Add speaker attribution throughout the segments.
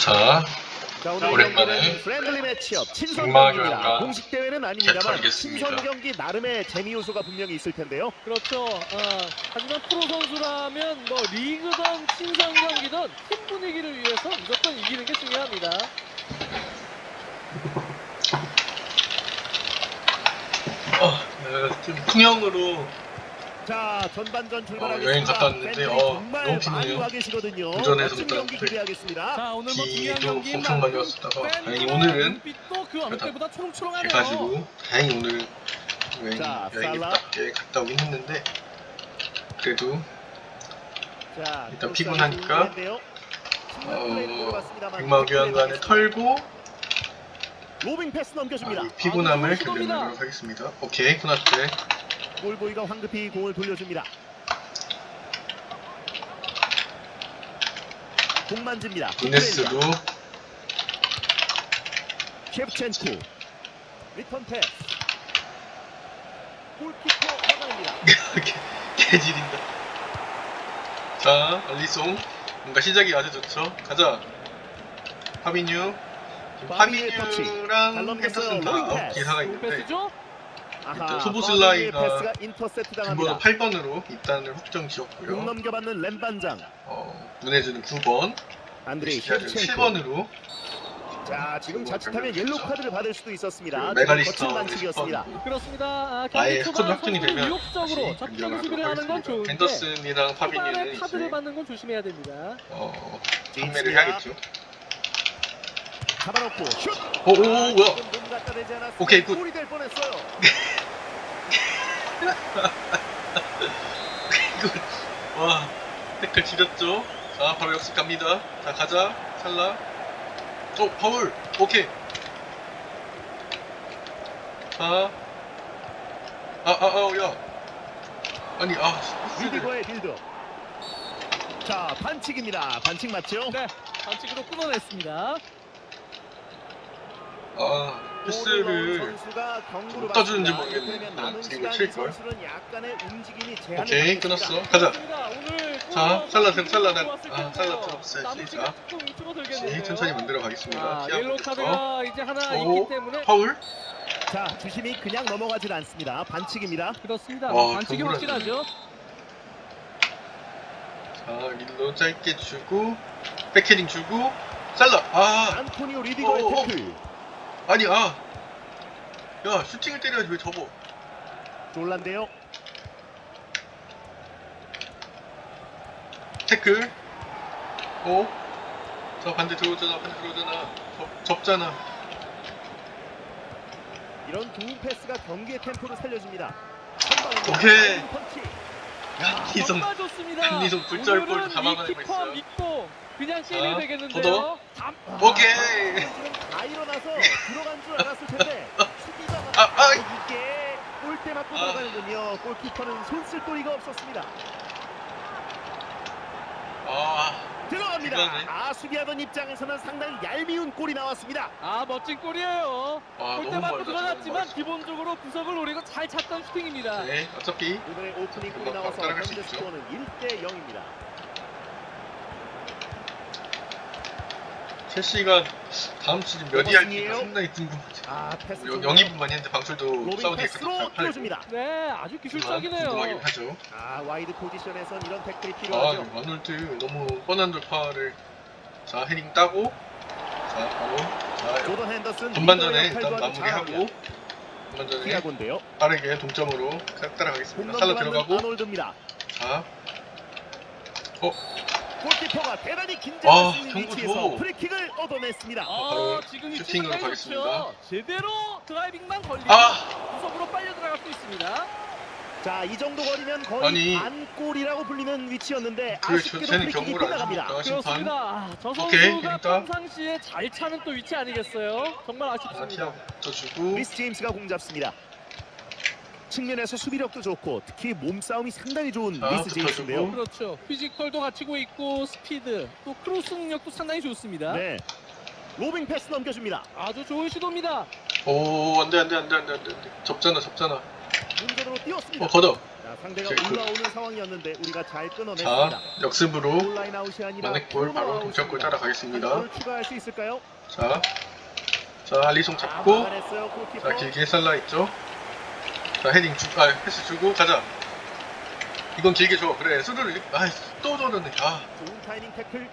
Speaker 1: 자,
Speaker 2: 자, 오늘
Speaker 1: 오랜만에
Speaker 2: 경기는 프렌들리 매치업 친선
Speaker 1: 김마경과
Speaker 2: 경기입니다. 공식 대회는 아닙니다만
Speaker 1: 개털겠습니다.
Speaker 2: 친선 경기 나름의 재미 요소가 분명히 있을 텐데요.
Speaker 3: 그렇죠. 하지만 프로 선수라면 뭐 리그든 친선 경기든 팀 분위기를 위해서 무조건 이기는 게 중요합니다.
Speaker 1: 좀 풍형으로
Speaker 2: 자, 전반전 출발하겠습니다.
Speaker 1: 여행 갔다 왔는데,
Speaker 2: 팬들이 정말
Speaker 1: 너무
Speaker 2: 많이
Speaker 1: 피곤해요.
Speaker 2: 와 계시거든요.
Speaker 1: 운전해서
Speaker 2: 멋진
Speaker 1: 일단
Speaker 2: 경기 기대하겠습니다.
Speaker 3: 자, 오늘 뭐 중요한
Speaker 1: 비도
Speaker 3: 경기인
Speaker 1: 엄청 많이
Speaker 3: 만큼
Speaker 1: 왔었다가 다행히
Speaker 3: 팬들의
Speaker 1: 오늘은
Speaker 3: 눈빛도 그 어느
Speaker 1: 그래도
Speaker 3: 때보다 초롱초롱하네요.
Speaker 1: 해가지고 다행히 오늘
Speaker 2: 자,
Speaker 1: 여행답게 갔다 오긴 했는데 그래도
Speaker 2: 자,
Speaker 1: 일단 피곤하니까
Speaker 2: 백마
Speaker 1: 백마교환관에 털고
Speaker 2: 로빙 패스 넘겨줍니다.
Speaker 1: 이 피곤함을
Speaker 3: 아주 좋은 시도입니다.
Speaker 1: 견뎌내도록 하겠습니다. 오케이, 코나테.
Speaker 2: 골보이가 황급히 공을 돌려줍니다. 공 만집니다.
Speaker 1: 이네스도
Speaker 2: 셰프첸코 리턴 패스. 골키퍼 막아냅니다.
Speaker 1: 개지린다. 자, 알리송 뭔가 시작이 아주 좋죠. 가자. 파비뉴.
Speaker 2: 바비의 터치. 잘
Speaker 1: 파비뉴랑
Speaker 2: 넘겼어요.
Speaker 1: 핸더슨 다
Speaker 2: 로잉 패스.
Speaker 1: 기사가
Speaker 3: 좋은
Speaker 1: 있는데
Speaker 3: 패스죠?
Speaker 2: 아하,
Speaker 1: 소보슬라이가
Speaker 2: 바비의 패스가 인터셉트
Speaker 1: 등번호
Speaker 2: 당합니다.
Speaker 1: 8번으로 입단을 확정
Speaker 2: 공
Speaker 1: 지었고요.
Speaker 2: 넘겨받는 램반장
Speaker 1: 문해주는 9번,
Speaker 2: 안드레이
Speaker 1: 시아는
Speaker 2: 셰프첸코.
Speaker 1: 7번으로
Speaker 2: 자, 지금 자칫하면 옐로 카드를 받을 수도 있었습니다.
Speaker 1: 그
Speaker 2: 지금
Speaker 1: 메갈리스터
Speaker 2: 거친 반칙이었습니다.
Speaker 3: 그렇습니다.
Speaker 1: 아예
Speaker 3: 경기
Speaker 1: 스쿼드
Speaker 3: 초반
Speaker 1: 확정이
Speaker 3: 선수들이
Speaker 1: 되면
Speaker 3: 위협적으로
Speaker 1: 다시
Speaker 3: 접전
Speaker 1: 변경하도록
Speaker 3: 수비를 하는 건
Speaker 1: 하겠습니다.
Speaker 3: 좋은데
Speaker 1: 핸더슨이랑
Speaker 3: 초반에
Speaker 1: 파비뉴는
Speaker 3: 카드를
Speaker 1: 이제
Speaker 3: 받는 건 조심해야 됩니다.
Speaker 1: 판매를 해야겠죠.
Speaker 2: 잡아놓고 슛.
Speaker 1: 오, 뭐야?
Speaker 2: 지금 몸 갖다 대지 않았으면
Speaker 1: 오케이, 굿.
Speaker 2: 골이 될 뻔했어요.
Speaker 1: 와, 태클 지렸죠? 자, 바로 역습 갑니다. 자, 가자. 살라. 파울. 오케이. 자. 야. 아니,
Speaker 2: 리디거의 빌드. 자, 반칙입니다. 반칙 맞죠?
Speaker 3: 네, 반칙으로 끊어냈습니다.
Speaker 1: 패스를
Speaker 2: 선수가 경고를
Speaker 1: 못 떠주는지
Speaker 2: 받습니다.
Speaker 1: 모르겠네.
Speaker 2: 그러면 남은
Speaker 1: 지금
Speaker 2: 시간 이
Speaker 1: 칠걸.
Speaker 2: 선수는 약간의 움직임이 제한을
Speaker 1: 오케이,
Speaker 2: 받겠습니다.
Speaker 1: 끊었어. 가자.
Speaker 3: 그렇습니다. 오늘
Speaker 1: 자, 살라 나
Speaker 3: 좋았을 텐데요.
Speaker 1: 살라 들어갔어야지.
Speaker 3: 남은
Speaker 1: 자,
Speaker 3: 시간 조금 줄어들겠는데요.
Speaker 1: 천천히 만들어 가겠습니다.
Speaker 3: 옐로 카드가 이제 하나
Speaker 1: 오,
Speaker 3: 있기 때문에
Speaker 1: 파울.
Speaker 2: 자, 주심이 그냥 넘어가질 않습니다. 반칙입니다.
Speaker 3: 그렇습니다.
Speaker 1: 와,
Speaker 3: 반칙이
Speaker 1: 경고라니.
Speaker 3: 확실하죠.
Speaker 1: 자, 릴로 짧게 주고 백헤딩 주고 살라.
Speaker 2: 안토니오 리디거의
Speaker 1: 오.
Speaker 2: 태클.
Speaker 1: 아니 야, 슈팅을 때려야지 왜 접어?
Speaker 2: 졸란데요.
Speaker 1: 태클. 자, 반대 들어오잖아. 접잖아.
Speaker 2: 이런 좋은 패스가 경기의 템포를 살려줍니다.
Speaker 1: 오케이.
Speaker 2: 펀치.
Speaker 1: 한희성
Speaker 3: 정말 좋습니다.
Speaker 1: 한희성 굴절골
Speaker 3: 오늘은
Speaker 1: 다
Speaker 3: 이
Speaker 1: 막아내고
Speaker 3: 키퍼
Speaker 1: 있어요.
Speaker 3: 믿고 그냥 게임이
Speaker 1: 자,
Speaker 3: 되겠는데요.
Speaker 1: 오케이.
Speaker 2: 지금 다 일어나서 들어간 줄 알았을 텐데 수비가 이게 골대 맞고 들어가는군요. 골키퍼는 손 쓸 도리가 없었습니다. 들어갑니다.
Speaker 1: 대단해.
Speaker 2: 수비하던 입장에서는 상당히 얄미운 골이 나왔습니다.
Speaker 3: 멋진 골이에요.
Speaker 1: 너무
Speaker 3: 골대 맞고
Speaker 1: 멀다,
Speaker 3: 들어갔지만
Speaker 1: 너무
Speaker 3: 기본적으로 구석을 노리고 잘 찼던 슈팅입니다.
Speaker 1: 네, 어차피
Speaker 2: 이번에 오프닝 골이
Speaker 1: 금방
Speaker 2: 나와서
Speaker 1: 따라갈 수
Speaker 2: 현재
Speaker 1: 있죠.
Speaker 2: 스코어는 1대 0입니다.
Speaker 1: 첼시가 다음 시즌 몇 위 할지가
Speaker 2: 오버승이에요.
Speaker 1: 상당히 궁금하지.
Speaker 2: 패스
Speaker 1: 영입만 했는데 방출도
Speaker 2: 로빙
Speaker 1: 사우디에
Speaker 2: 패스로
Speaker 1: 팔고
Speaker 2: 띄워줍니다.
Speaker 3: 네, 아주 기술적이네요.
Speaker 1: 궁금하긴 하죠.
Speaker 2: 와이드 포지션에선 이런 태클이
Speaker 1: 아,
Speaker 2: 필요하죠.
Speaker 1: 마놀드 너무 뻔한 돌파를 자, 헤딩 따고 자, 바로 자,
Speaker 2: 조던 핸더슨
Speaker 1: 전반전에
Speaker 2: 리더의
Speaker 1: 일단
Speaker 2: 역할도 아주
Speaker 1: 마무리하고
Speaker 2: 잘합니다.
Speaker 1: 전반전에
Speaker 2: 티아고인데요.
Speaker 1: 빠르게 동점으로 따라가겠습니다. 살로
Speaker 2: 공격받는
Speaker 1: 들어가고
Speaker 2: 아놀드입니다.
Speaker 1: 자,
Speaker 2: 골키퍼가 대단히 긴장할 수 있는
Speaker 1: 경고
Speaker 2: 위치에서
Speaker 1: 줘.
Speaker 2: 프리킥을 얻어냈습니다.
Speaker 1: 바로
Speaker 3: 지금 이
Speaker 1: 슈팅으로
Speaker 3: 상당히
Speaker 1: 가겠습니다.
Speaker 3: 좋죠. 제대로 드라이빙만 걸리면 구석으로 빨려 들어갈 수 있습니다.
Speaker 2: 자, 이 정도 거리면 거의
Speaker 1: 아니.
Speaker 2: 반골이라고 불리는 위치였는데
Speaker 1: 그래,
Speaker 2: 아쉽게도
Speaker 1: 쟤는
Speaker 2: 프리킥이
Speaker 1: 경고를 안
Speaker 2: 빗나갑니다.
Speaker 1: 줍니까? 심판.
Speaker 3: 그렇습니다. 저
Speaker 1: 오케이,
Speaker 3: 선수가
Speaker 1: 그러니까.
Speaker 3: 평상시에 잘 차는 또 위치 아니겠어요? 정말
Speaker 1: 자,
Speaker 3: 아쉽습니다.
Speaker 1: 티아고 쳐주고
Speaker 2: 리스 제임스가 공 잡습니다. 측면에서 수비력도 좋고 특히 몸싸움이 상당히 좋은
Speaker 1: 자,
Speaker 2: 리스 제임스인데요.
Speaker 1: 붙어주고.
Speaker 3: 그렇죠. 피지컬도 갖추고 있고 스피드, 또 크로스 능력도 상당히 좋습니다.
Speaker 2: 네. 로빙 패스 넘겨줍니다.
Speaker 3: 아주 좋은 시도입니다.
Speaker 1: 안돼 접잖아
Speaker 2: 문전으로 띄웠습니다.
Speaker 1: 걷어.
Speaker 2: 자, 자, 상대가
Speaker 1: 체크.
Speaker 2: 올라오는 상황이었는데 우리가 잘
Speaker 1: 자,
Speaker 2: 끊어냈습니다.
Speaker 1: 역습으로
Speaker 2: 골라인 아웃이 아니라
Speaker 1: 만회골 바로
Speaker 2: 코너
Speaker 1: 동점골
Speaker 2: 아웃입니다.
Speaker 1: 따라가겠습니다.
Speaker 2: 한 골을 추가할 수 있을까요?
Speaker 1: 자, 알리송 잡고,
Speaker 2: 막아냈어요, 골키퍼.
Speaker 1: 자, 길게 살라 있죠. 자, 헤딩 패스 주고 가자. 이건 길게 줘. 그래, 수루를 또 저러네.
Speaker 2: 좋은 타이밍 태클.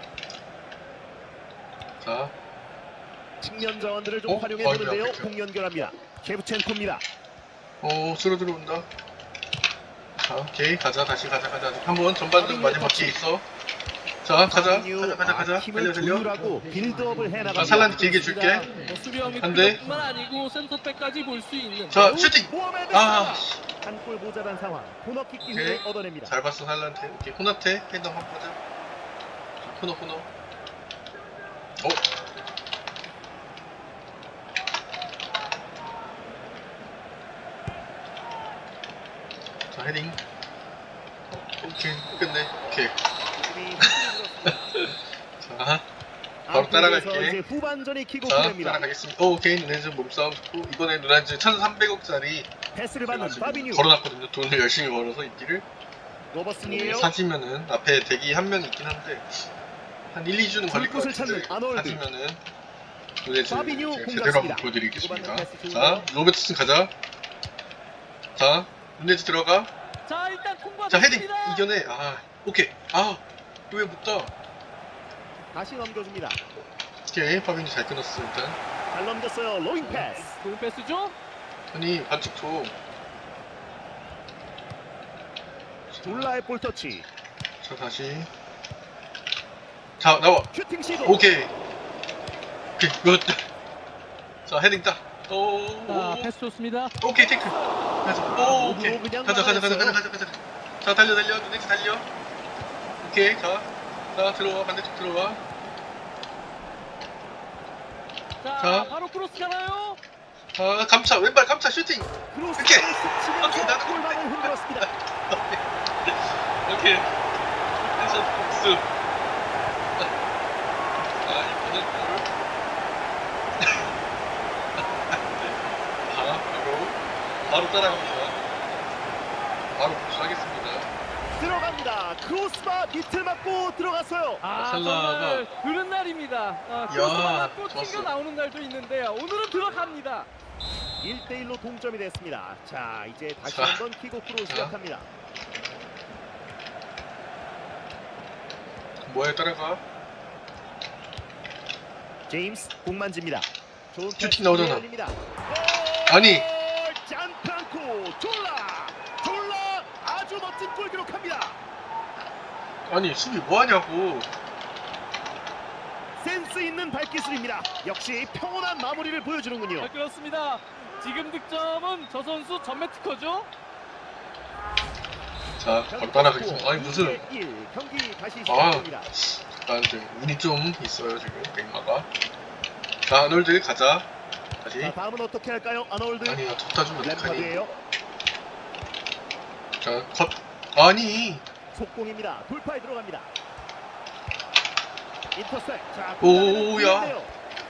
Speaker 1: 자,
Speaker 2: 측면 자원들을 좀 활용해
Speaker 1: 아이고야,
Speaker 2: 보는데요.
Speaker 1: 그렇죠.
Speaker 2: 공 연결합니다. 셰브첸코입니다.
Speaker 1: 수루 들어온다. 자, 오케이, 가자. 다시 가자. 한번 전반전 마지막 기회 있어. 자, 가자.
Speaker 2: 힘을
Speaker 1: 달려.
Speaker 2: 조율하고 빌드업을 해나갑니다.
Speaker 1: 살란 길게 줄게.
Speaker 3: 뭐 수비형
Speaker 1: 안 돼.
Speaker 3: 미드필더뿐만 아니고 센터백까지 볼 수 있는
Speaker 1: 자, 슈팅.
Speaker 2: 한골 모자란 상황. 코너킥 기회를
Speaker 1: 오케이.
Speaker 2: 얻어냅니다.
Speaker 1: 잘 봤어, 살란테. 오케이, 호나테. 헤더 한번 보자. 자, 코너. 자, 헤딩. 오케이, 끝내. 오케이. 자, 바로 따라갈게.
Speaker 2: 이제 후반전이
Speaker 1: 자,
Speaker 2: 킥오프됩니다.
Speaker 1: 따라가겠습니다. 오케이, 누네즈 몸싸움 좋고, 이번에 누네즈 1,300억짜리
Speaker 2: 패스를 받는 파비뉴.
Speaker 1: 걸어놨거든요. 돈을 열심히 벌어서 인기를.
Speaker 2: 로버슨이에요.
Speaker 1: 사지면은 앞에 대기 한 명 있긴 한데 한 1, 2주는 걸릴 것
Speaker 2: 불꽃을
Speaker 1: 같은데
Speaker 2: 찾는 아놀드.
Speaker 1: 사지면은 누네즈
Speaker 2: 파비뉴
Speaker 1: 제가
Speaker 2: 공
Speaker 1: 제대로 한번
Speaker 2: 잡습니다.
Speaker 1: 보여드리겠습니다.
Speaker 2: 후반전 패스
Speaker 1: 자,
Speaker 2: 좋은데요?
Speaker 1: 로베트슨 가자. 자, 누네즈 들어가.
Speaker 3: 자 일단
Speaker 1: 자, 헤딩
Speaker 3: 통과됐습니다.
Speaker 1: 이겨내. 오케이. 왜 못 떠?
Speaker 2: 다시 넘겨줍니다.
Speaker 1: 오케이, 파비뉴 잘 끊었어 일단.
Speaker 2: 잘 넘겼어요. 로잉 패스.
Speaker 3: 좋은 패스죠?
Speaker 1: 아니 반칙 줘.
Speaker 2: 졸라의 볼 터치.
Speaker 1: 자, 다시. 자, 나와.
Speaker 2: 슈팅 시도.
Speaker 1: 오케이, 굿. 자, 헤딩 딱.
Speaker 3: 자 패스 좋습니다.
Speaker 1: 오케이, 태클. 가자. 오케이.
Speaker 2: 로브로 그냥
Speaker 1: 가자.
Speaker 2: 막아냈어요.
Speaker 1: 자, 달려. 누네즈 달려. 오케이, 자, 들어와. 반대쪽 들어와.
Speaker 3: 자 바로 크로스 가나요?
Speaker 1: 자, 감차, 왼발 감차 슈팅.
Speaker 2: 크로스
Speaker 1: 오케이.
Speaker 2: 치면서
Speaker 1: 오케이, 나도
Speaker 2: 골망을 흔들었습니다.
Speaker 1: 오케이. 텐션 복수. 이번엔 뭘? 바로 따라갑니다. 바로 복수하겠습니다.
Speaker 2: 들어갑니다. 크로스바 밑을 맞고 들어갔어요.
Speaker 3: 아
Speaker 1: 살라가-
Speaker 3: 정말 그런 날입니다. 크로스만 맞고
Speaker 1: 좋았어.
Speaker 3: 튕겨 나오는 날도 있는데요. 오늘은 들어갑니다.
Speaker 2: 1대1로 동점이 됐습니다. 자, 이제 다시
Speaker 1: 자.
Speaker 2: 한번 킥오프로 시작합니다.
Speaker 1: 뭐에 따라가?
Speaker 2: 제임스 공 만집니다. 좋은
Speaker 1: 슈팅
Speaker 2: 패스
Speaker 1: 나오잖아.
Speaker 2: 열립니다.
Speaker 1: 아니.
Speaker 2: 잔프랑코 졸라 아주 멋진 골 기록합니다.
Speaker 1: 아니, 수비 뭐 하냐고.
Speaker 2: 센스 있는 발기술입니다. 역시 평온한 마무리를 보여주는군요.
Speaker 3: 아, 그렇습니다. 지금 득점은 저 선수 전매 특허죠?
Speaker 1: 자, 바로 따라가겠습니다. 아니, 무슨.
Speaker 2: 1 경기 다시 시작됩니다.
Speaker 1: 약간 좀 운이 좀 있어요, 지금. 뱅마가. 자, 아놀드 가자. 다시.
Speaker 2: 자, 다음은 어떻게 할까요? 아놀드.
Speaker 1: 아니, 졌다 주면 어떡하니.
Speaker 2: 램파드예요.
Speaker 1: 자, 컷. 아니.
Speaker 2: 속공입니다. 돌파에 들어갑니다. 인터셉. 자,
Speaker 1: 오, 야.
Speaker 2: 기회인데요.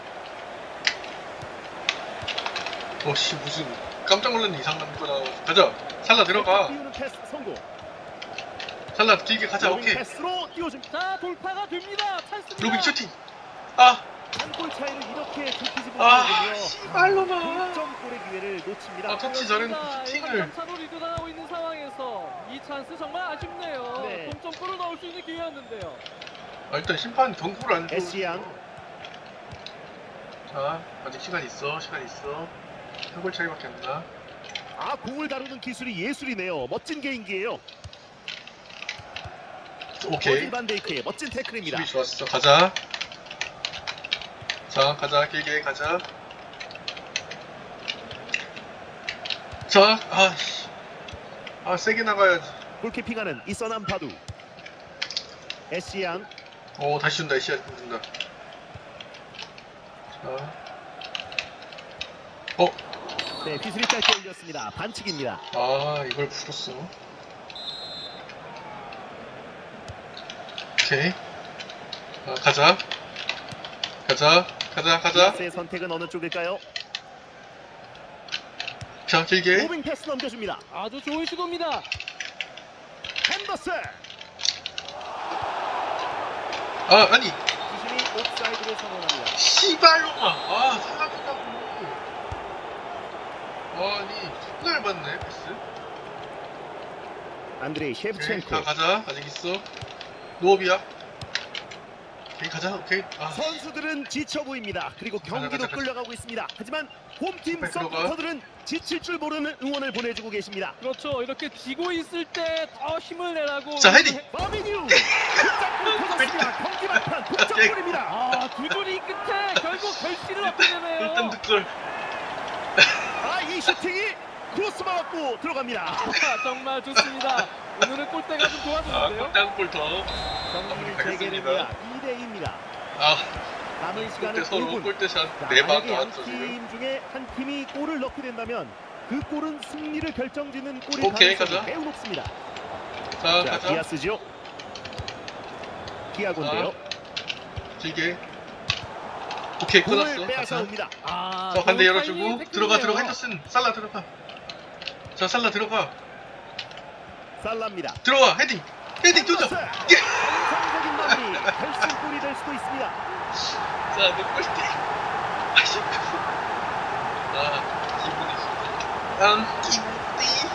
Speaker 1: 씨, 무슨. 깜짝 놀랐네, 이상한 거 나와. 가자. 살라 들어가.
Speaker 2: 띄우는 패스 성공.
Speaker 1: 살라 길게 가자,
Speaker 2: 로빙
Speaker 1: 오케이.
Speaker 2: 패스로 띄워줍니다.
Speaker 3: 자 돌파가 됩니다. 찬스입니다.
Speaker 1: 로빙 슈팅.
Speaker 2: 한골 차이로 이렇게 좁히지 못하는군요.
Speaker 1: 씨발로만.
Speaker 2: 동점골의 기회를 놓칩니다.
Speaker 1: 터치 잘했는데 슈팅을.
Speaker 3: 3차로 리드 당하고 있는 상황에서 이 찬스 정말 아쉽네요.
Speaker 2: 네.
Speaker 3: 동점골을 넣을 수 있는 기회였는데요.
Speaker 1: 일단 심판 경고를 안 줘.
Speaker 2: 에시안.
Speaker 1: 자, 아직 시간 있어. 한 골 차이밖에 안 나.
Speaker 2: 공을 다루는 기술이 예술이네요. 멋진 개인기예요.
Speaker 1: 오케이.
Speaker 2: 버질 반데이크의 멋진 태클입니다.
Speaker 1: 수비 좋았어. 가자. 자, 가자. 길게 가자. 자, 세게 나가야지.
Speaker 2: 골키핑하는 이서남 바두. 에시안.
Speaker 1: 다시 준다. 에시아 준다. 자.
Speaker 2: 네, 비슬이 짧게 올렸습니다. 반칙입니다.
Speaker 1: 이걸 풀었어. 오케이. 가자.
Speaker 2: 디아스의 선택은 어느 쪽일까요?
Speaker 1: 자, 길게.
Speaker 2: 오빙 패스 넘겨줍니다.
Speaker 3: 아주 좋은 시도입니다.
Speaker 2: 핸더슨
Speaker 1: 아, 아니.
Speaker 2: 주심이 옵사이드를 선언합니다.
Speaker 1: 씨발로마. 사라졌다고. 아니, 존나 얇았네, 패스.
Speaker 2: 안드레이
Speaker 1: 오케이,
Speaker 2: 셰프첸코.
Speaker 1: 자, 가자. 아직 있어. 노업이야. 오케이, 가자. 오케이. 아,
Speaker 2: 선수들은 지쳐 보입니다. 그리고 경기도
Speaker 1: 가자.
Speaker 2: 끌려가고 있습니다. 하지만 홈팀
Speaker 1: 빨리 들어가.
Speaker 2: 서포터들은 지칠 줄 모르는 응원을 보내주고 계십니다.
Speaker 3: 그렇죠. 이렇게 지고 있을 때 더 힘을 내라고.
Speaker 1: 자, 헤딩.
Speaker 2: 바비뉴 득점골 터졌습니다. 경기 막판 득점골입니다.
Speaker 3: 아, 두 줄이 끝에 결국 결실을 얻게 되네요.
Speaker 1: 일단 득골.
Speaker 2: 이 슈팅이 크로스 맞고 들어갑니다.
Speaker 3: 아, 정말 좋습니다. 오늘은 골대가 좀 도와주는데요.
Speaker 1: 땅골 더.
Speaker 2: 경기
Speaker 1: 마무리
Speaker 2: 재개됩니다. 2대2입니다.
Speaker 1: 아,
Speaker 2: 남은 시간은
Speaker 1: 골대 서로
Speaker 2: 5분.
Speaker 1: 골대샷
Speaker 2: 자,
Speaker 1: 4방
Speaker 2: 만약에
Speaker 1: 나왔죠, 지금.
Speaker 2: 양팀 중에 한 팀이 골을 넣게 된다면 그 골은 승리를 결정짓는 골이
Speaker 1: 오케이,
Speaker 2: 가능성이
Speaker 1: 가자.
Speaker 2: 매우 높습니다.
Speaker 1: 자,
Speaker 2: 자,
Speaker 1: 가자.
Speaker 2: 디아스죠. 디아고인데요.
Speaker 1: 길게. 오케이,
Speaker 2: 공을
Speaker 1: 끊었어.
Speaker 2: 빼앗아
Speaker 1: 가자.
Speaker 2: 옵니다.
Speaker 3: 아,
Speaker 1: 자, 반대
Speaker 3: 좋은
Speaker 1: 열어주고.
Speaker 3: 타이밍의
Speaker 1: 들어가,
Speaker 3: 태클이네요.
Speaker 1: 핸더슨. 살라 들어가. 자, 살라 들어가.
Speaker 2: 살라입니다.
Speaker 1: 들어와, 헤딩. 헤딩 도전. 예!
Speaker 2: 정상적인 마무리. 결승골이 될 수도 있습니다.
Speaker 1: 자, 내 골대. 아쉽다. 기분이 좋다.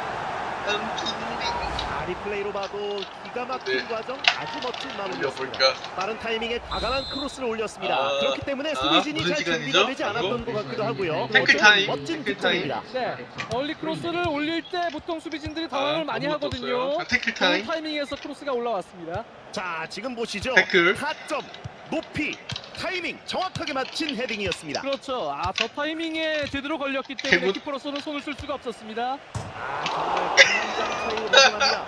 Speaker 1: 기분이.
Speaker 2: 리플레이로 봐도 기가 막힌
Speaker 1: 네.
Speaker 2: 과정, 아주 멋진 마무리였습니다.
Speaker 1: 올려볼까?
Speaker 2: 빠른 타이밍에 과감한 크로스를 올렸습니다.
Speaker 1: 아,
Speaker 2: 그렇기 때문에 수비진이
Speaker 1: 무슨
Speaker 2: 잘
Speaker 1: 시간이죠?
Speaker 2: 준비가 되지 않았던
Speaker 1: 이거?
Speaker 2: 것 같기도 하고요.
Speaker 1: 태클
Speaker 2: 어쨌든
Speaker 1: 타임,
Speaker 2: 멋진
Speaker 1: 태클 타임.
Speaker 2: 득점입니다.
Speaker 3: 네, 얼리 크로스를 올릴 때 보통 수비진들이 당황을 많이
Speaker 1: 아무것도
Speaker 3: 하거든요.
Speaker 1: 없어요. 자, 태클
Speaker 3: 좋은
Speaker 1: 타임.
Speaker 3: 타이밍에서 크로스가 올라왔습니다.
Speaker 2: 자, 지금 보시죠.
Speaker 1: 태클.
Speaker 2: 타점, 높이, 타이밍 정확하게 맞힌 헤딩이었습니다.
Speaker 3: 그렇죠. 아, 저 타이밍에 제대로 걸렸기 때문에
Speaker 1: 대문.
Speaker 3: 키퍼로서는 손을 쓸 수가 없었습니다.
Speaker 2: 정말 굉장 차이로 벗어납니다.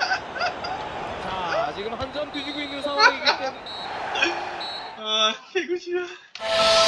Speaker 3: 자, 지금 한 점 뒤지고 있는 상황이기 때문에
Speaker 1: 개구시야.